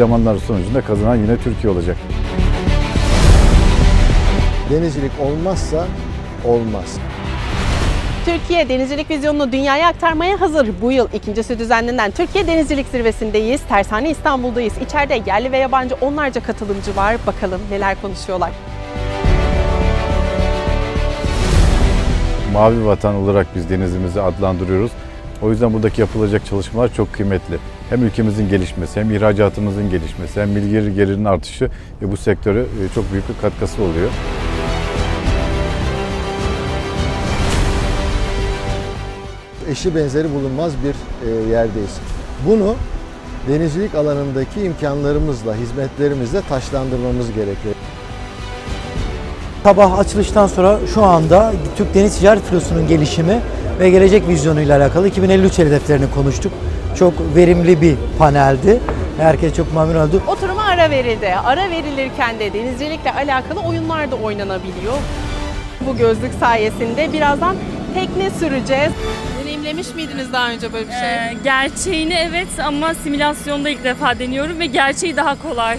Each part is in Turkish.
antrenmanlar sonucunda kazanan yine Türkiye olacak. Denizcilik olmazsa olmaz. Türkiye Denizcilik Vizyonu'nu dünyaya aktarmaya hazır. Bu yıl ikincisi düzenlenen Türkiye Denizcilik Zirvesi'ndeyiz. Tersane İstanbul'dayız. İçeride yerli ve yabancı onlarca katılımcı var. Bakalım neler konuşuyorlar. Mavi vatan olarak biz denizimizi adlandırıyoruz. O yüzden buradaki yapılacak çalışmalar çok kıymetli. Hem ülkemizin gelişmesi, hem ihracatımızın gelişmesi, hem milli gelirinin artışı ve bu sektöre çok büyük bir katkısı oluyor. Eşi benzeri bulunmaz bir yerdeyiz. Bunu denizcilik alanındaki imkanlarımızla, hizmetlerimizle taçlandırmamız gerekiyor. Sabah açılıştan sonra şu anda Türk Deniz Ticaret Filosu'nun gelişimi ve gelecek vizyonuyla alakalı 2053 hedeflerini konuştuk. Çok verimli bir paneldi. Herkes çok memnun oldu. Oturuma ara verildi. Ara verilirken de denizcilikle alakalı oyunlar da oynanabiliyor. Bu gözlük sayesinde birazdan tekne süreceğiz. Deneyimlemiş miydiniz daha önce böyle bir şey? Gerçeğini evet ama simülasyonda ilk defa deniyorum ve gerçeği daha kolay.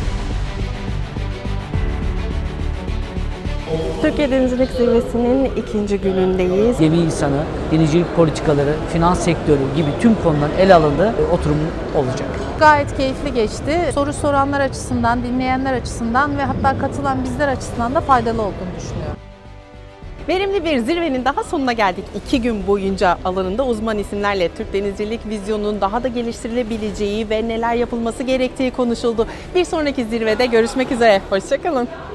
Türkiye Denizcilik Zirvesi'nin ikinci günündeyiz. Gemi insanı, denizcilik politikaları, finans sektörü gibi tüm konuların ele alındığı oturum olacak. Gayet keyifli geçti. Soru soranlar açısından, dinleyenler açısından ve hatta katılan bizler açısından da faydalı olduğunu düşünüyorum. Verimli bir zirvenin daha sonuna geldik. 2 gün boyunca alanında uzman isimlerle Türk Denizcilik Vizyonu'nun daha da geliştirilebileceği ve neler yapılması gerektiği konuşuldu. Bir sonraki zirvede görüşmek üzere. Hoşça kalın.